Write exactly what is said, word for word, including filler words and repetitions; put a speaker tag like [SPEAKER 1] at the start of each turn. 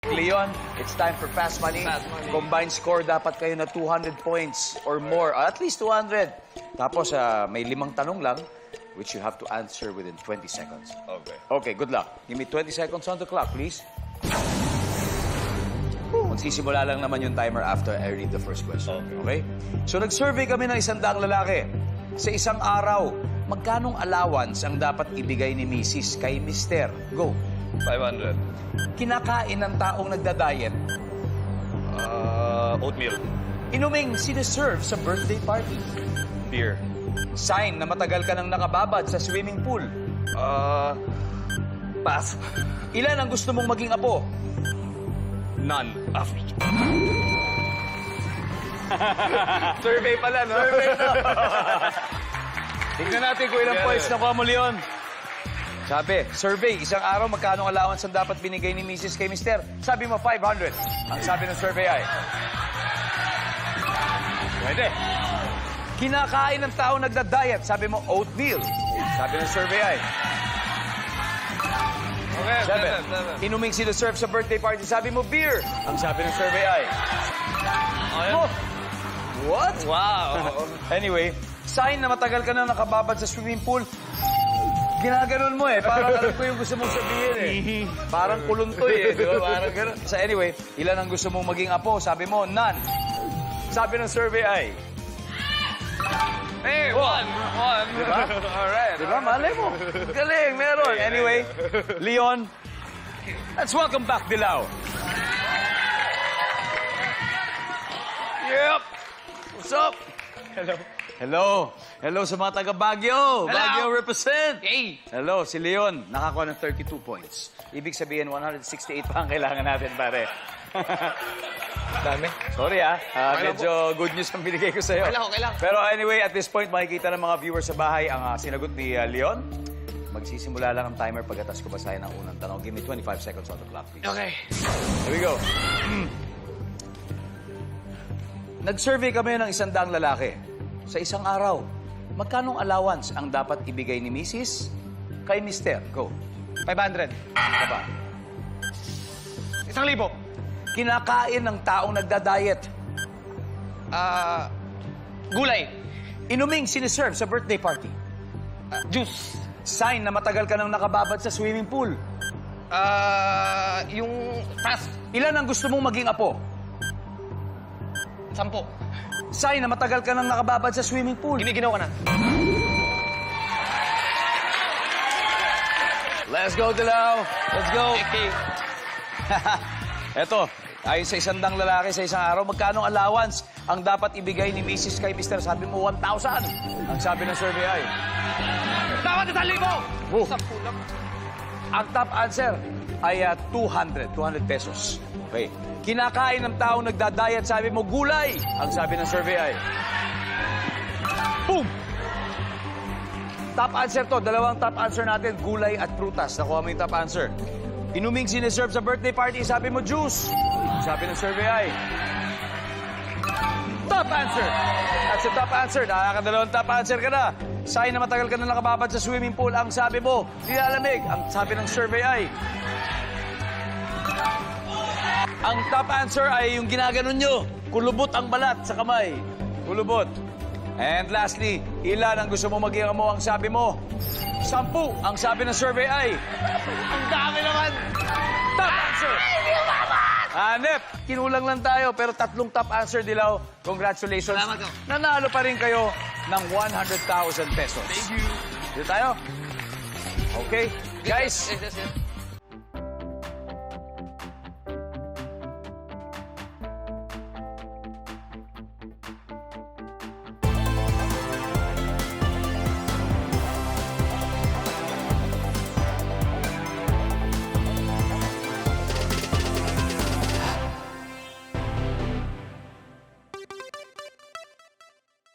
[SPEAKER 1] Leon, it's time for Fast Money.
[SPEAKER 2] Fast Money.
[SPEAKER 1] Combined score, dapat kayo na two hundred points or more. At least two hundred. Tapos, ah, may limang tanong lang, which you have to answer within twenty seconds.
[SPEAKER 2] Okay.
[SPEAKER 1] Okay, good luck. Give me twenty seconds on the clock, please. Magsisimula lang naman yung timer after I read the first question. Okay? So, nag-survey kami ng isang daang lalaki. Sa isang araw, magkanong allowance ang dapat ibigay ni Missus kay Mister? Go.
[SPEAKER 2] five hundred.
[SPEAKER 1] Kinakain ng taong nagda-diet.
[SPEAKER 2] Uh, oatmeal.
[SPEAKER 1] Inuming siniserve sa birthday party.
[SPEAKER 2] Beer.
[SPEAKER 1] Sign na matagal ka nang nakababad sa swimming pool.
[SPEAKER 2] Uh, pass.
[SPEAKER 1] Ilan ang gusto mong maging apo?
[SPEAKER 2] None. Ah,
[SPEAKER 1] Survey pala, no? Survey na. Tignan natin kung ilang
[SPEAKER 2] Yeah,
[SPEAKER 1] points
[SPEAKER 2] yeah.
[SPEAKER 1] nakuha mo, Leon. Sabi, survey, isang araw magkano ang allowance ang dapat binigay ni Missus kay Mister? Sabi mo, five hundred. Ang sabi ng survey ay... Pwede. Kinakain ng tao nagda-diet. Sabi mo, oatmeal. Sabi ng survey ay...
[SPEAKER 2] Okay,
[SPEAKER 1] Seven.
[SPEAKER 2] seven, seven.
[SPEAKER 1] Inuming sinaserve sa birthday party. Sabi mo, beer. Ang sabi ng survey ay...
[SPEAKER 2] Okay.
[SPEAKER 1] Oh, what?
[SPEAKER 2] Wow.
[SPEAKER 1] Anyway, sign na matagal ka na nakababad sa swimming pool. Ginaganon mo eh. Parang alam ko yung gusto mong sabihin eh. Parang kuluntoy eh. Di ba? Parang ganun. So anyway, ilan ang gusto mong maging apo? Sabi mo, none. Sabi ng survey ay...
[SPEAKER 2] Hey, one. One.
[SPEAKER 1] Diba?
[SPEAKER 2] Alright.
[SPEAKER 1] Di ba? Malay mo. Galing, meron. Anyway, Leon, let's welcome back Dilaw. Yep. What's up?
[SPEAKER 2] Hello.
[SPEAKER 1] Hello. Hello sa mga taga Baguio.
[SPEAKER 2] Hello.
[SPEAKER 1] Baguio represent.
[SPEAKER 2] Hey.
[SPEAKER 1] Hello, si Leon. Nakakuha ng thirty-two points. Ibig sabihin, one hundred sixty-eight pa ang kailangan natin, pare.
[SPEAKER 2] Dami.
[SPEAKER 1] Sorry ah. Ah,
[SPEAKER 2] Okay lang
[SPEAKER 1] medyo good news ang binigay ko sa'yo.
[SPEAKER 2] Okay lang, okay lang.
[SPEAKER 1] Pero anyway, at this point, makikita ng mga viewers sa bahay ang ah, sinagot ni ah, Leon. Magsisimula lang ang timer pagkatas ko basahin ang unang tanong. Give me twenty-five seconds on the clock, please.
[SPEAKER 2] Okay.
[SPEAKER 1] Here we go. Nag-survey kami ng isang daang lalaki. Sa isang araw, magkanong allowance ang dapat ibigay ni Missus kay Mister? Go.
[SPEAKER 2] five hundred.
[SPEAKER 1] Ano ba?
[SPEAKER 2] Isang libo.
[SPEAKER 1] Kinakain ng taong nagda-diet.
[SPEAKER 2] Ah, gulay.
[SPEAKER 1] Inuming siniserve sa birthday party.
[SPEAKER 2] Ah, juice.
[SPEAKER 1] Sign na matagal ka nang nakababad sa swimming pool.
[SPEAKER 2] Ah, yung pass.
[SPEAKER 1] Ilan ang gusto mong maging apo?
[SPEAKER 2] Sampo.
[SPEAKER 1] Sign na matagal ka nang nakababad sa swimming pool.
[SPEAKER 2] Giniginaw ka na.
[SPEAKER 1] Let's go, Dilaw. Let's go.
[SPEAKER 2] Okay.
[SPEAKER 1] Eto, ayon sa isang dang lalaki sa isang araw, magkano allowance ang dapat ibigay ni Missus kay Mister? Sabi mo, one thousand. Ang sabi ng survey ay...
[SPEAKER 2] Dapat isang libo.
[SPEAKER 1] Oh.
[SPEAKER 2] Sampu lang.
[SPEAKER 1] Ang top answer ay uh, two hundred. two hundred pesos. Okay. Kinakain ng taong nagda-diet, sabi mo, gulay. Ang sabi ng survey ay... Boom! Top answer to. Dalawang top answer natin, gulay at prutas. Nakuha mo yung top answer. Inuming siniserve sa birthday party, sabi mo, juice. Ang sabi ng survey ay... Top answer! That's the top answer. Nakakadalawang top answer ka na. Sign na matagal ka na nakababad sa swimming pool. Ang sabi mo, nilalamig. Ang sabi ng survey ay... Ang top answer ay yung ginaganon nyo. Kulubot ang balat sa kamay. Kulubot. And lastly, ilan ang gusto mo maging mo? Ang sabi mo, sampu. Ang sabi ng survey ay...
[SPEAKER 2] Ang dami naman.
[SPEAKER 1] Top answer! Hanep, kinulang lang tayo, pero tatlong top answer, Dilaw. Congratulations.
[SPEAKER 2] Salamat ko.
[SPEAKER 1] Nanalo pa rin kayo ng one hundred thousand pesos.
[SPEAKER 2] Thank you.
[SPEAKER 1] Dito tayo. Okay. Guys,
[SPEAKER 2] Yes, yes, yes.